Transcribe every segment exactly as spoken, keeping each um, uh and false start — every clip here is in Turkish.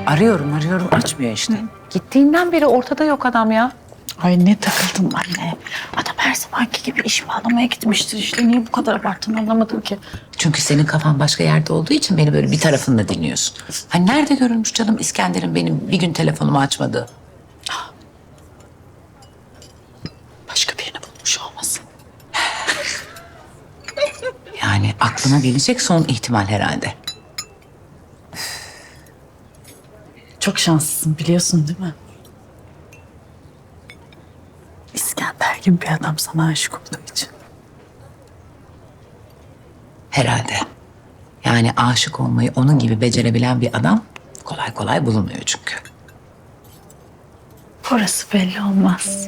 Arıyorum arıyorum açmıyor işte. Gittiğinden beri ortada yok adam ya. Ay ne takıldım anne. Adam her zamanki gibi iş bağlamaya gitmiştir işte. Niye bu kadar abarttığını anlamadım ki. Çünkü senin kafan başka yerde olduğu için beni böyle bir tarafınla dinliyorsun. Hani nerede görülmüş canım İskender'in benim bir gün telefonumu açmadığı? Başka birini bulmuş olmasın. Yani aklına gelecek son ihtimal herhalde. Çok şanslısın biliyorsun değil mi? İskender gibi bir adam sana aşık olduğu için. Herhalde. Yani aşık olmayı onun gibi becerebilen bir adam kolay kolay bulunmuyor çünkü. Orası belli olmaz.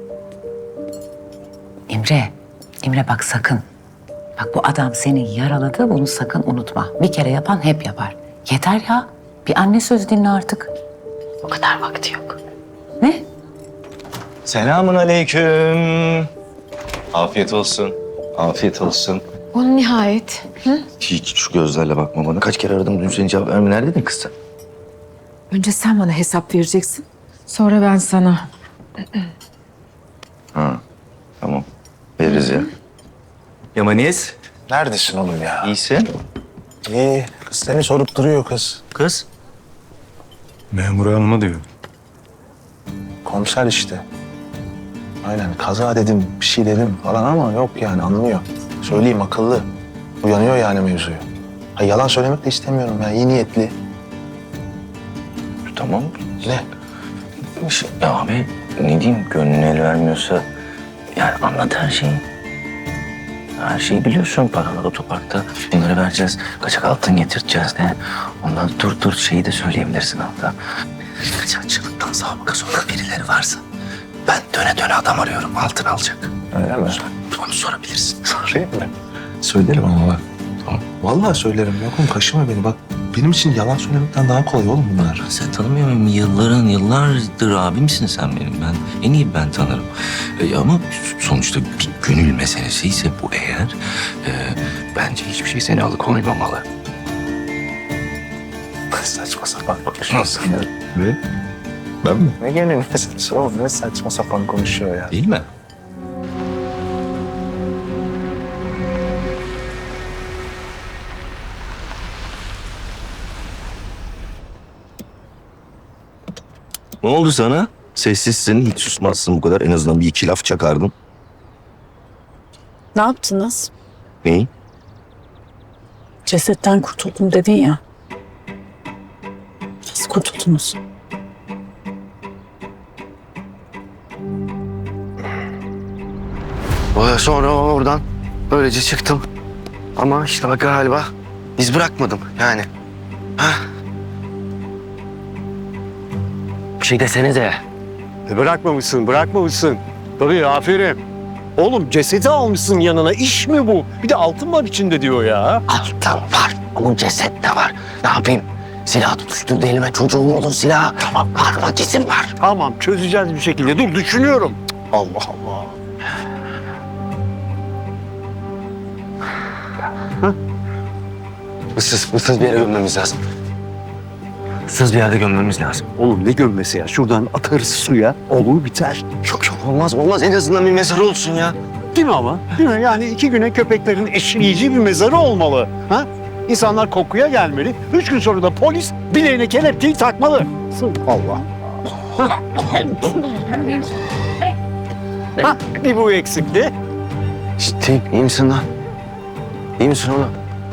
İmre, İmre bak sakın. Bak bu adam seni yaraladı, bunu sakın unutma. Bir kere yapan hep yapar. Yeter ya. Bir anne söz dinle artık. O kadar vakti yok. Ne? Selamun aleyküm. Afiyet olsun. Afiyet olsun. O nihayet. Hiç şu gözlerle bakma bana. Kaç kere aradım dün seni cevap verme. Neredeydin kız sen? Önce sen bana hesap vereceksin. Sonra ben sana. Ha, tamam. Veririz ya. Yamanis. Neredesin oğlum ya? İyisin. İyi. Kız seni sorup duruyor kız. Kız. Memur hanıma diyor. Komiser işte. Aynen kaza dedim, bir şey dedim falan ama yok yani anlıyor. Söyleyeyim akıllı. Uyanıyor yani mevzuyu. Ha, yalan söylemek de istemiyorum ya. İyi niyetli. Tamam. Ne? Ya abi ne diyeyim gönlüne el vermiyorsa yani anlat her şeyi. Her şeyi biliyorsun paralar otoparkta. Bunları vereceğiz. Kaçak altın getireceğiz de. Ondan dur dur şeyi de söyleyebilirsin hatta. Kaçakçılıktan sabıka sonra birileri varsa ben döne döne adam arıyorum altın alacak. Öyle mi? Onu sorabilirsin. Sorayım mı? Söylerim ama bak. Tamam. Vallahi söylerim. Yok oğlum kaşıma beni. Bak benim için yalan söylemekten daha kolay oğlum bunlar. Sen tanımıyor musun? Yılların yıllardır abimsin sen benim. Ben en iyi ben tanırım. E, ama sonuçta bir gönül meselesi ise bu eğer e, bence hiçbir şey seni alıkoymamalı. Saçma sapan konuşuyorsun ya. Ne? Ben mi? Ne gönül meselesi oğlum? Ne saçma sapan konuşuyor ya. Değil mi? Ne oldu sana? Sessizsin, hiç susmazsın bu kadar. En azından bir iki laf çakardın. Ne yaptınız? Neyi? Cesetten kurtuldum dedin ya. Nasıl kurtuldunuz? Sonra oradan böylece çıktım. Ama işte bak galiba iz bırakmadım yani. Ha? Bir şey desenize. E bırakmamışsın, bırakmamışsın. Tabii aferin. Oğlum cesedi almışsın yanına. İş mi bu? Bir de altın var içinde diyor ya. Altın var. Onun ceset de var. Ne yapayım? Silah tutuşturdu elime. Çocuğum olur silah. Tamam var. Vakisim var. Tamam çözeceğiz bir şekilde. Dur düşünüyorum. Cık, Allah Allah. Issız, ıssız bir yere gömmemiz lazım. Issız bir yerde gömmemiz lazım. Oğlum ne gömmesi ya? Şuradan atarız suya. Olur biter. Yok yok olmaz olmaz. En azından bir mezarı olsun ya. Değil mi ama? Değil mi? Yani iki güne köpeklerin eşleyici bir mezarı olmalı. Ha? İnsanlar kokuya gelmeli. Üç gün sonra da polis bileğine kelepçeyi takmalı. Allah. Ha, bir bu eksikti. Ciddi iyi misin lan? İyi misin oğlum?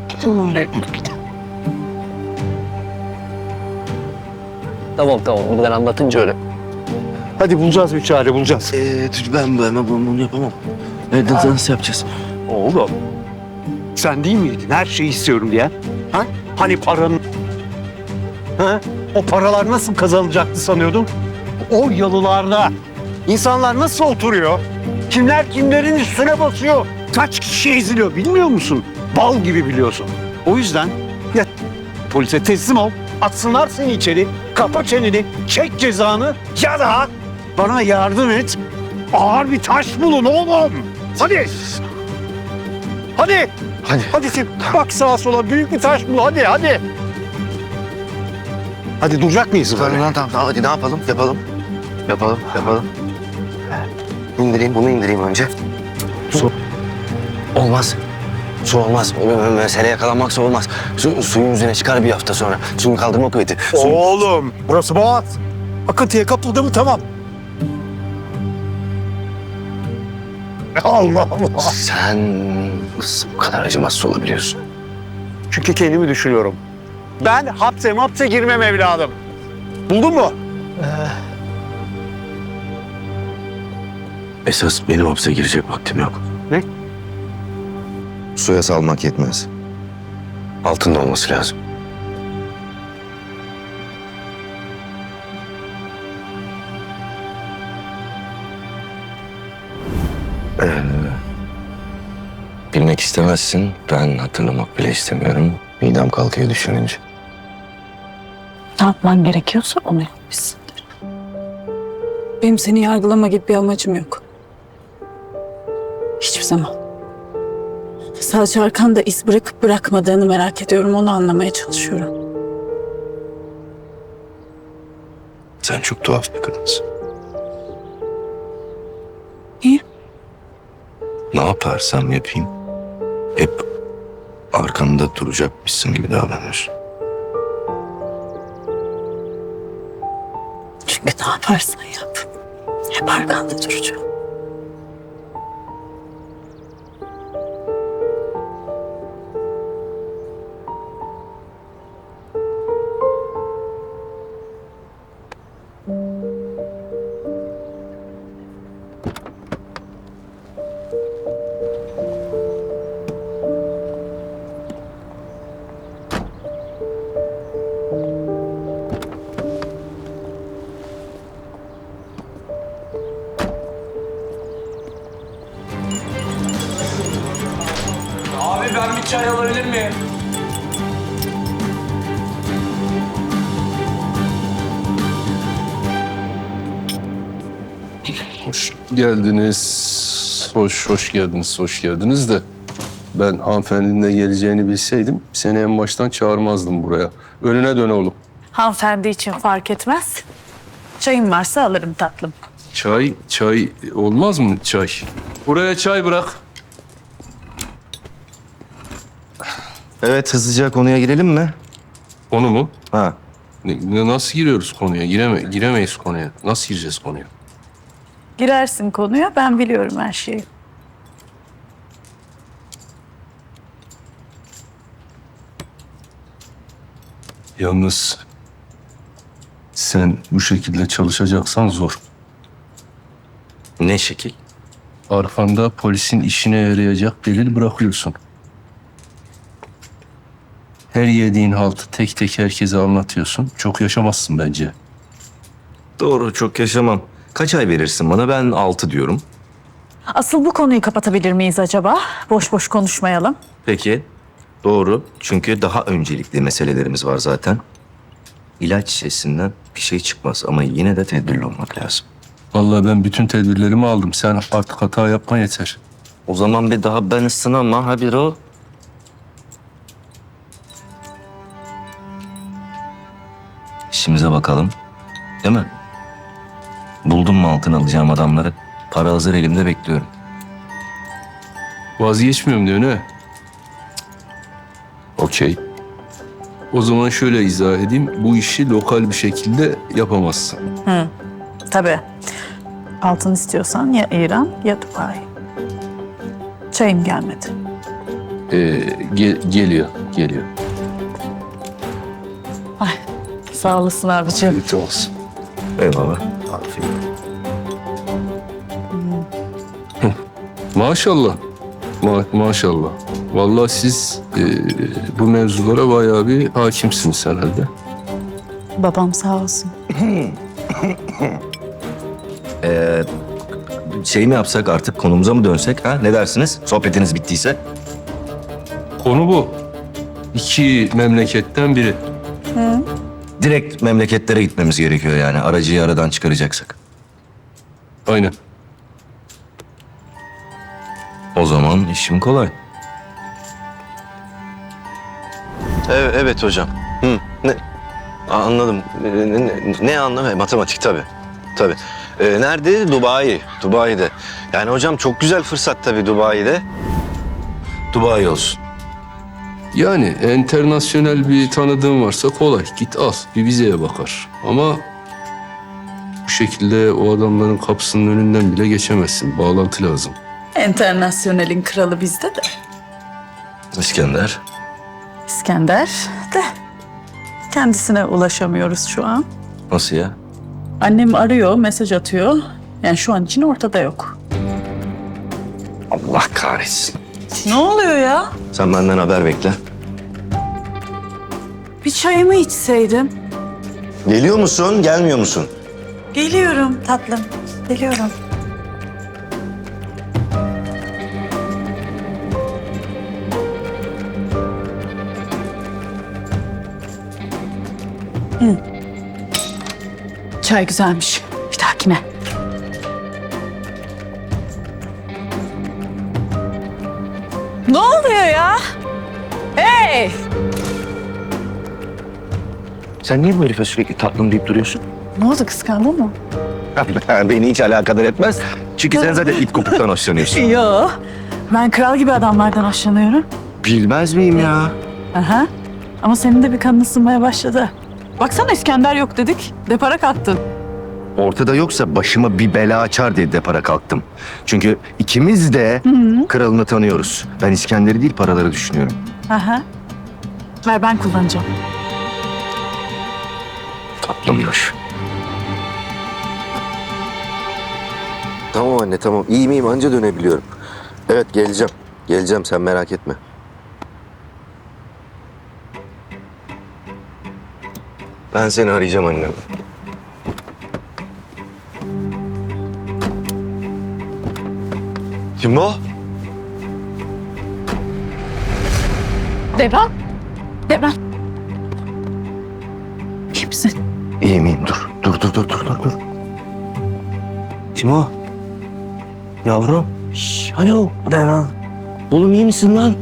Tamam tamam. Buradan anlatınca öyle. Hadi bulacağız bir çare bulacağız. Ee, ben ben bunu, bunu yapamam. Nereden nasıl yapacağız? Oğlum, sen değil miydin her şeyi istiyorum diye? Ha? Hani paranın... Ha? O paralar nasıl kazanılacaktı sanıyordun? O yalılarda insanlar nasıl oturuyor? Kimler kimlerin üstüne basıyor? Kaç kişi eziliyor bilmiyor musun? Bal gibi biliyorsun. O yüzden ya polise teslim ol, atsınlar seni içeri, kapa çeneni, çek cezanı ya da bana yardım et. Ağır bir taş bulun oğlum. Hadi. Hadi. Hadi. Hadi sen bak sağa sola büyük bir taş bul hadi hadi. Hadi duracak mıyız böyle? Tamam tamam tamam hadi ne yapalım? Yapalım. Yapalım yapalım. İndireyim bunu indireyim önce. Su. Olmaz. Su olmaz. M- m- Mesele yakalanmaksa olmaz. Su, suyun yüzüne çıkar bir hafta sonra. Suyun kaldırma kuvveti. Su... Oğlum burası boğaz. Akıntıya kapıldı mı tamam. Allah Allah. Sen nasıl bu kadar acımasız olabiliyorsun? Çünkü kendimi düşünüyorum. Ben hapse mapse girmem evladım. Buldun mu? Esas benim hapse girecek vaktim yok. Ne? Suya salmak yetmez. Altında olması lazım. Ee, bilmek istemezsin. Ben hatırlamak bile istemiyorum. Midem kalkıyor düşününce. Ne yapman gerekiyorsa onu yapmışsındır. Benim seni yargılama gibi bir amacım yok. Hiçbir zaman. Sadece arkanda iz bırakıp bırakmadığını merak ediyorum. Onu anlamaya çalışıyorum. Sen çok tuhaf bir kadınsın. Niye? Ne yaparsam yapayım hep arkanda duracakmışsın gibi davranıyorsun. Çünkü ne yaparsan yap. Hep arkanda duracağım. Abi ben bir çay alabilir miyim? Hoş geldiniz. Hoş, hoş geldiniz, hoş geldiniz de ben hanımefendinin de geleceğini bilseydim seni en baştan çağırmazdım buraya. Önüne dön oğlum. Hanımefendi için fark etmez. Çayın varsa alırım tatlım. Çay, çay olmaz mı çay? Buraya çay bırak. Evet hızlıca konuya girelim mi? Onu mu? Ha. Ne- Nasıl giriyoruz konuya? Gireme, giremeyiz konuya. Nasıl gireceğiz konuya? Girersin konuya, ben biliyorum her şeyi. Yalnız sen bu şekilde çalışacaksan zor. Ne şekil? Arkanda polisin işine yarayacak delil bırakıyorsun. Her yediğin haltı tek tek herkese anlatıyorsun. Çok yaşamazsın bence. Doğru, çok yaşamam. Kaç ay verirsin bana? Ben altı diyorum. Asıl bu konuyu kapatabilir miyiz acaba? Boş boş konuşmayalım. Peki. Doğru. Çünkü daha öncelikli meselelerimiz var zaten. İlaç şişesinden bir şey çıkmaz ama yine de tedbirli olmak lazım. Vallahi ben bütün tedbirlerimi aldım. Sen artık hata yapma yeter. O zaman bir daha ben ısınama ha bir o. İşimize bakalım. Değil mi? Buldum mu altın alacağım adamları? Para hazır elimde bekliyorum. Vazgeçmiyorum diyor ne? Okey. O zaman şöyle izah edeyim. Bu işi lokal bir şekilde yapamazsın. Tabii. Altın istiyorsan ya İran ya Dubai. Çayım gelmedi. Ee, ge- geliyor, geliyor. Sağ olasın abiciğim. Kötü olsun. Eyvallah. Aferin. Maşallah. Ma- maşallah. Vallahi siz e, bu mevzulara bayağı bir hakimsiniz herhalde. Babam sağ olsun. Ee, şey mi yapsak artık konumuza mı dönsek ha? Ne dersiniz? Sohbetiniz bittiyse. Konu bu. İki memleketten biri. Direkt memleketlere gitmemiz gerekiyor yani. Aracıyı aradan çıkaracaksak. Aynen. O zaman işim kolay. Evet, evet hocam. Hı. Ne? Aa, anladım. Ee, Ne, ne anlam? Matematik tabii. Tabii. Ee, nerede? Dubai. Dubai'de. Yani hocam çok güzel fırsat tabii Dubai'de. Dubai olsun. Yani enternasyonel bir tanıdığın varsa kolay. Git al, bir vizeye bakar. Ama bu şekilde o adamların kapısının önünden bile geçemezsin. Bağlantı lazım. Enternasyonelin kralı bizde de. İskender. İskender de. Kendisine ulaşamıyoruz şu an. Nasıl ya? Annem arıyor, mesaj atıyor. Yani şu an için ortada yok. Allah kahretsin. Ne oluyor ya? Sen benden haber bekle. Bir çayımı içseydim. Geliyor musun, gelmiyor musun? Geliyorum tatlım, geliyorum. Hı. Çay güzelmiş. Bir dahakine. Ne oluyor ya? Hey! Sen niye bu herife sürekli tatlım deyip duruyorsun? Ne oldu, kıskandın mı? Beni hiç alakadar etmez. Çünkü sen zaten it kopuktan hoşlanıyorsun. Yo. Ben kral gibi adamlardan hoşlanıyorum. Bilmez miyim ya? Aha. Ama senin de bir kanın ısınmaya başladı. Baksana İskender yok dedik. Depara kalktın. Ortada yoksa başıma bir bela açar diye depara kalktım. Çünkü ikimiz de kralını tanıyoruz. Ben İskender'i değil paraları düşünüyorum. Aha. Ver ben kullanacağım. Tatlımmış. Tamam anne tamam. İyi miyim anca dönebiliyorum. Evet geleceğim. Geleceğim sen merak etme. Ben seni arayacağım annem. Kim o? Devran. Devran. İyi misin? İyi miyim? Dur. Dur dur dur dur dur. dur. Kim o? Yavrum. Şş, alo Devran. Oğlum iyi misin lan?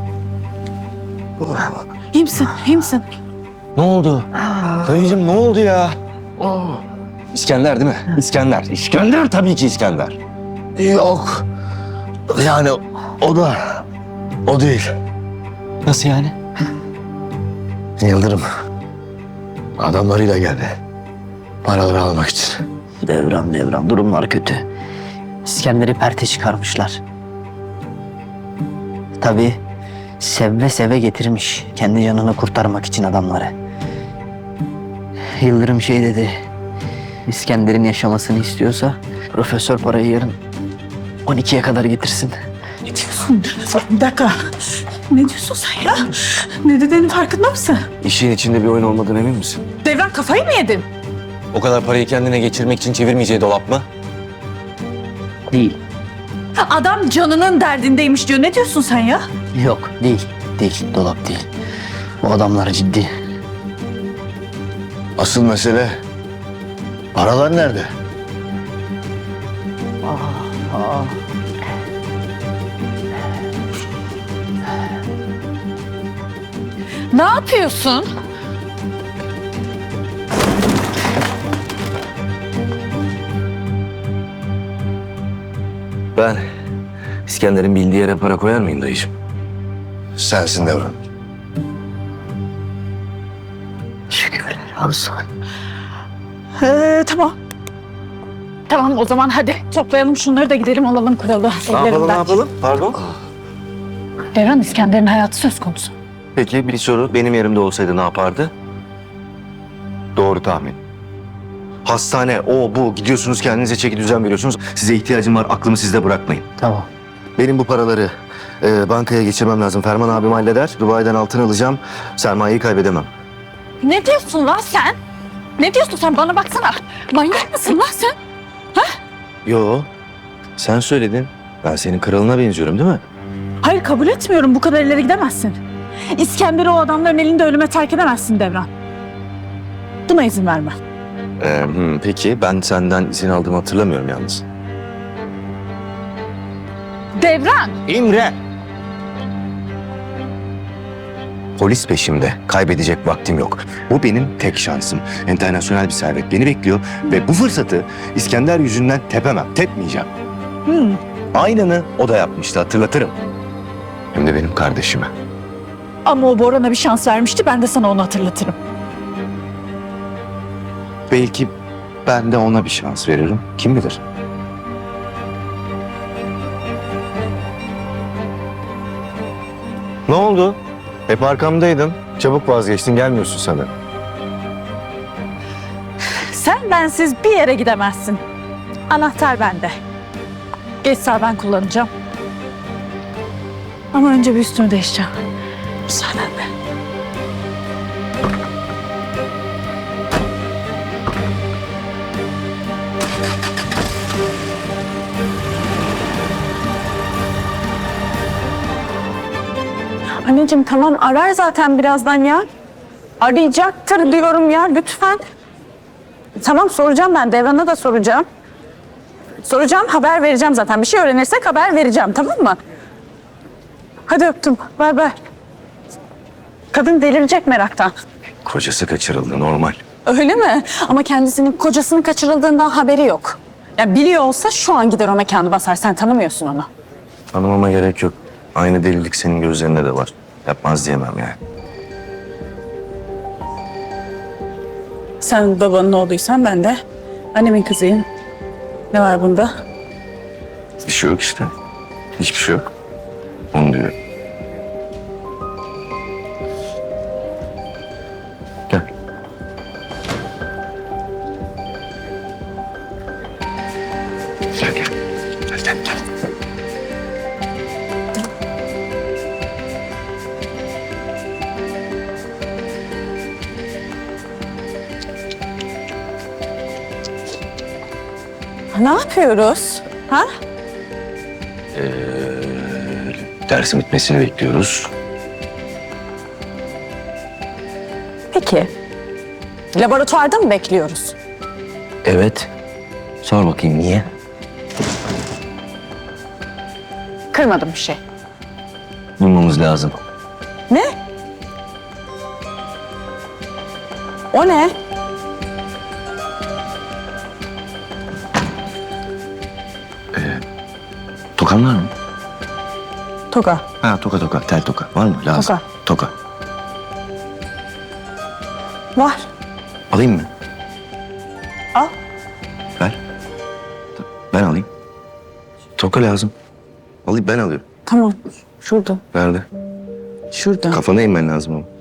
İyi misin? İyi misin? Ne oldu? Dayıcığım ne oldu ya? İskender değil mi? İskender. İskender tabii ki İskender. Yok. Yani o da o değil. Nasıl yani? Yıldırım adamlarıyla geldi. Paraları almak için. Devran devran durumlar kötü. İskender'i perte çıkarmışlar. Tabii seve seve getirmiş kendi canını kurtarmak için adamları. Yıldırım şey dedi. İskender'in yaşamasını istiyorsa profesör parayı yarın on ikiye kadar getirsin. Ne diyorsun? Bir dakika. Ne diyorsun sen ya? Ne dediğinin farkında mısın? İşin içinde bir oyun olmadığına emin misin? Devran kafayı mı yedin? O kadar parayı kendine geçirmek için çevirmeyeceği dolap mı? Değil. Adam canının derdindeymiş diyor. Ne diyorsun sen ya? Yok değil. Değil. Dolap değil. Bu adamlar ciddi. Asıl mesele paralar nerede? Ne yapıyorsun? Ben İskender'in bildiği yere para koyar mıyım dayıcığım? Sensin Devran. Şükürler olsun. Ee, tamam. Tamam o zaman hadi toplayalım şunları da gidelim alalım kralı. Ellerinden. Pardon? Devran İskender'in hayatı söz konusu. Peki bir soru. Benim yerimde olsaydı ne yapardı? Doğru tahmin. Hastane, o bu. Gidiyorsunuz kendinize çeki düzen veriyorsunuz. Size ihtiyacım var. Aklımı sizde bırakmayın. Tamam. Benim bu paraları e, bankaya geçirmem lazım. Ferman abim halleder. Dubai'den altın alacağım. Sermayeyi kaybedemem. Ne diyorsun lan sen? Ne diyorsun sen bana baksana. Manyak mısın lan sen? Yo. Sen söyledin. Ben senin kralına benziyorum değil mi? Hayır kabul etmiyorum bu kadar ileri gidemezsin. İskender'i o adamların elinde ölüme terk edemezsin Devran. Buna izin verme. Ee, hmm, peki ben senden izin aldığımı hatırlamıyorum yalnız. Devran! İmre! Polis peşimde. Kaybedecek vaktim yok. Bu benim tek şansım. Enternasyonel bir servet beni bekliyor ve bu fırsatı İskender yüzünden tepemem, tepmeyeceğim. Aynını o da yapmıştı, hatırlatırım. Hem de benim kardeşime. Ama o Boran'a bir şans vermişti. Ben de sana onu hatırlatırım. Belki ben de ona bir şans veririm. Kim bilir? Ne oldu? Hep arkamdaydın. Çabuk vazgeçtin, gelmiyorsun sana. Sen bensiz bir yere gidemezsin. Anahtar bende. Geç sağ ben kullanacağım. Ama önce bir üstümü değişeceğim. Müsaadenle. Anneciğim tamam arar zaten birazdan ya. Arayacaktır diyorum ya lütfen. Tamam soracağım ben Devran'a da soracağım. Soracağım haber vereceğim zaten. Bir şey öğrenirsek haber vereceğim tamam mı? Hadi öptüm. Bay bay. Kadın delirecek meraktan. Kocası kaçırıldı, normal. Öyle mi? Ama kendisinin kocasının kaçırıldığından haberi yok. Ya biliyor olsa şu an gider o mekanı basar. Sen tanımıyorsun onu. Tanımama gerek yok. Aynı delilik senin gözlerinde de var. Yapmaz diyemem yani. Sen babanın oğluysan ben de annemin kızıyım. Ne var bunda? Bir şey yok işte. Hiçbir şey yok. Onu diyor. Gel. Gel gel. Gel gel gel. Ne yapıyoruz? Ha? Dersin bitmesini bekliyoruz. Peki. Laboratuvarda mı bekliyoruz? Evet. Sor bakayım niye? Kırmadım bir şey. Bulmamız lazım. Ne? O ne? Tokan var mı? Toka. Ha toka toka. Tel toka. Var mı? Lazım. Toka. Toka. Var. Alayım mı? Al. Ver. Ben alayım. Toka lazım. Alayım ben alıyorum. Tamam. Şurada. Nerede? Şurada. Kafana inmen lazım ama.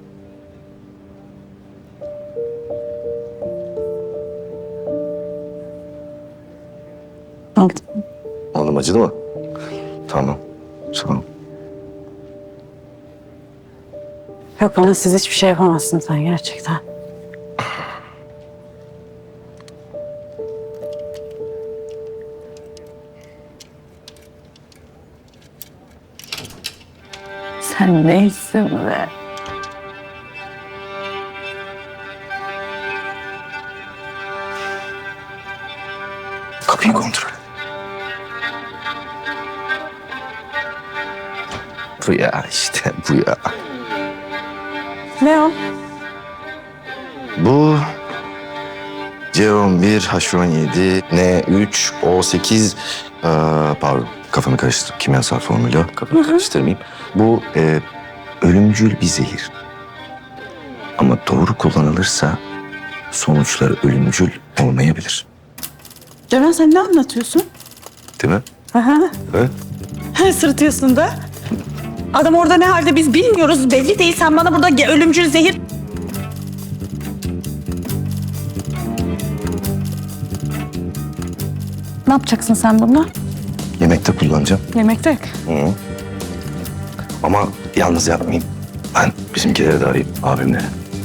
Al. Oğlum acıdı mı? Tamam. Tamam. Yok bana siz hiçbir şey yapamazsın sen gerçekten. Sen neysin be? Kapıyı kontrol et. Bu ya işte bu ya. Ne o? Bu C on bir, H on yedi, N üç, O sekiz, ee, pardon kafamı karıştırdım. Kimyasal formülü. Kafamı karıştırmayayım. Bu e, ölümcül bir zehir. Ama doğru kullanılırsa sonuçları ölümcül olmayabilir. Ceren sen ne anlatıyorsun? Değil mi? Aha. Evet. Sırıtıyorsun da. Adam orada ne halde biz bilmiyoruz. Belli değil. Sen bana burada ge- ölümcül zehir... Ne yapacaksın sen bununla? Yemekte kullanacağım. Yemekte. Hı. Ama yalnız yapmayayım. Ben bizimkileri de arayayım, abimleri.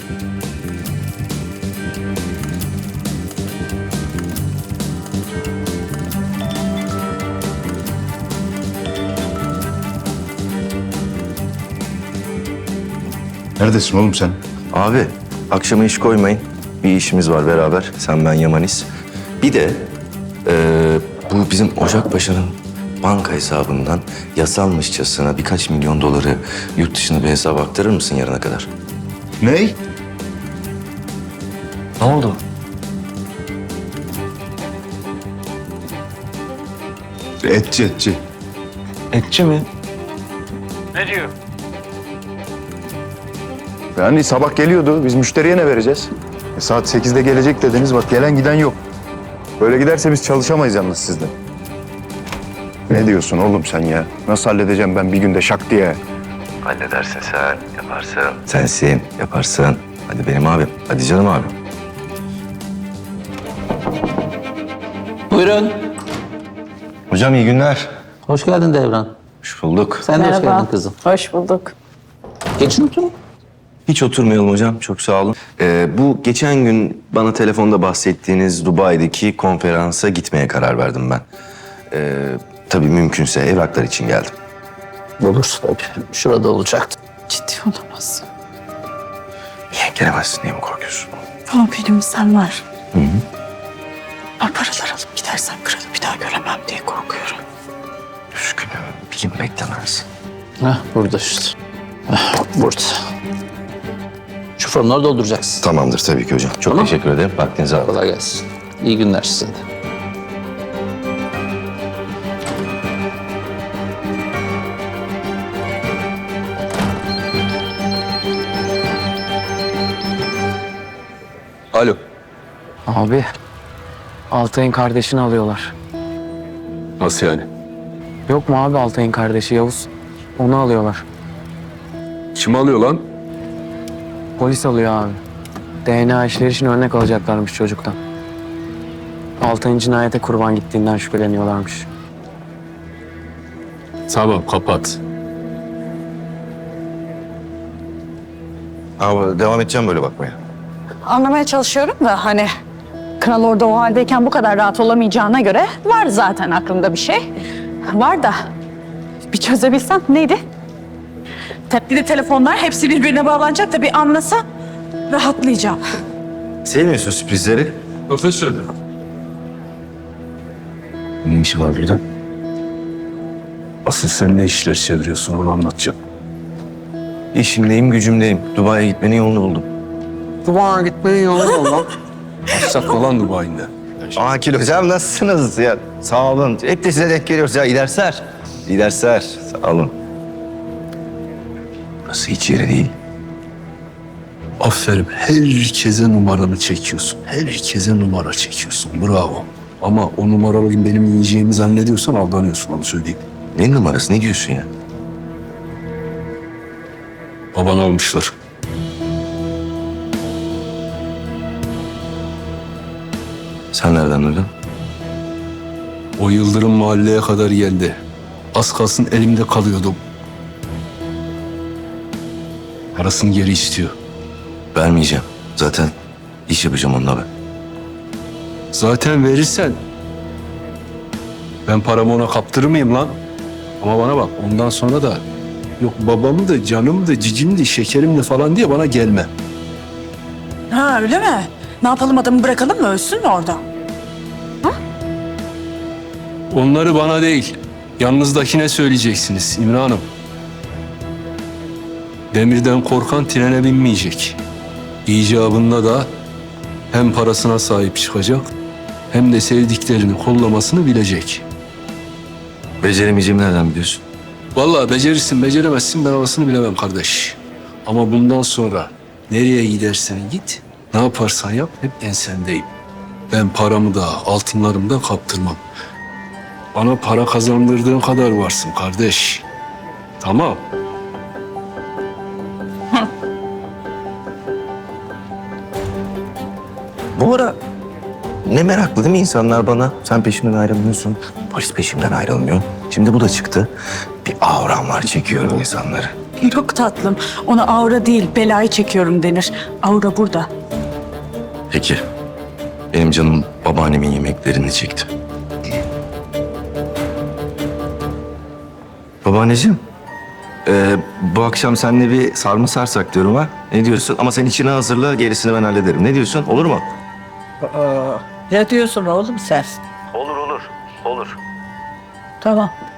Neredesin oğlum sen? Abi, akşama iş koymayın. Bir işimiz var beraber. Sen, ben, Yamanis. Bir de eee, bu bizim Ocakbaşı'nın banka hesabından yasalmışçasına birkaç milyon doları yurt dışına bir hesaba aktarır mısın yarına kadar? Ney? Ne oldu? Etçi etçi. Etçi mi? Ne diyor? Yani sabah geliyordu. Biz müşteriye ne vereceğiz? E, saat sekizde gelecek dediniz. Bak gelen giden yok. Böyle giderse biz çalışamayız yalnız sizde. Ne diyorsun oğlum sen ya? Nasıl halledeceğim ben bir günde şak diye? Halledersin sen, yaparsın. Sensin, yaparsın. Hadi benim abim, hadi canım abim. Buyurun. Hocam iyi günler. Hoş geldin Devran. Hoş bulduk. Sen de hoş geldin kızım. Hoş bulduk. Geçin oturun. Hiç oturmayalım hocam, çok sağ olun. Ee, bu geçen gün bana telefonda bahsettiğiniz Dubai'deki konferansa gitmeye karar verdim ben. Ee, tabii mümkünse evraklar için geldim. Olur tabii. Şurada olacaktı. Ciddi olamazsın. Niye gelemezsin, niye mi korkuyorsun? Ama benim sen var. Hı hı. Ben paralar alıp gidersem kralı bir daha göremem diye korkuyorum. Üzgünüm, bilim beklemez. Heh, burada işte. Heh, burada. Şu formları dolduracaksın. Tamamdır tabii ki hocam. Çok Tamam. teşekkür ederim. Vaktinizi aldım. Kolay gelsin. İyi günler size de. Alo. Abi, Altay'ın kardeşini alıyorlar. Nasıl yani? Yok mu abi Altay'ın kardeşi Yavuz? Onu alıyorlar. Kim alıyor lan? Polis alıyor abi. D N A işleri için örnek alacaklarmış çocuktan. Altay'ın cinayete kurban gittiğinden şüpheleniyorlarmış. Tamam kapat. Ama devam edeceğim böyle bakmaya. Anlamaya çalışıyorum da hani kral orada o haldeyken bu kadar rahat olamayacağına göre var zaten aklımda bir şey. Var da bir çözebilsem neydi? Tepkili telefonlar hepsi birbirine bağlanacak da bir anlasa rahatlayacağım. Sevmiyorsun sürprizleri. Profesör. Ne işi var burada? Asıl sen ne işler çeviriyorsun onu anlatacağım. İşimdeyim, gücümdeyim. Dubai'ye gitmenin yolunu buldum. Dubai'ye gitmenin yolu ne lan? Başlatma falan Dubai'nde. Akil hocam nasılsınız ya? Sağ olun. Hep de size denk geliyoruz ya. İyi dersler. İyi dersler. Sağ olun. Burası hiç yeri değil. Aferin. Herkese numaranı çekiyorsun. Herkese numara çekiyorsun. Bravo. Ama o numaralı benim yiyeceğimi zannediyorsan aldanıyorsun onu söyleyeyim. Ne numarası? Ne diyorsun ya? Babanı almışlar. Sen nereden duydun? O Yıldırım mahalleye kadar geldi. Az kalsın elimde kalıyordum. Parasını geri istiyor. Vermeyeceğim. Zaten iş yapacağım onunla ben. Zaten verirsen ben paramı ona kaptırır mıyım lan? Ama bana bak ondan sonra da yok babamı da canımı da cicimi de şekerim de falan diye bana gelme. Ha öyle mi? Ne yapalım adamı bırakalım mı ölsün mü orada? Onları bana değil, yanınızdakine söyleyeceksiniz İmran Hanım. Demirden korkan trene binmeyecek. İcabında da hem parasına sahip çıkacak hem de sevdiklerini kollamasını bilecek. Beceremeyeceğimi nereden biliyorsun? Vallahi becerirsin, beceremezsin ben orasını bilemem kardeş. Ama bundan sonra nereye gidersen git, ne yaparsan yap hep ensendeyim. Ben paramı da altınlarımı da kaptırmam. Bana para kazandırdığın kadar varsın kardeş. Tamam. Bu ara ne meraklı değil mi insanlar bana? Sen peşimden ayrılmıyorsun. Polis peşimden ayrılmıyor. Şimdi bu da çıktı. Bir avram var, çekiyorum insanları. Yok tatlım. Ona aura değil belayı çekiyorum denir. Aura burada. Peki. Benim canım babaannemin yemeklerini çekti. Babaanneciğim, e, bu akşam seninle bir sarma sarsak diyorum ha. Ne diyorsun? Ama sen içine hazırla, gerisini ben hallederim. Ne diyorsun? Olur mu? Ne diyorsun oğlum sen? Olur, olur. Olur. Tamam.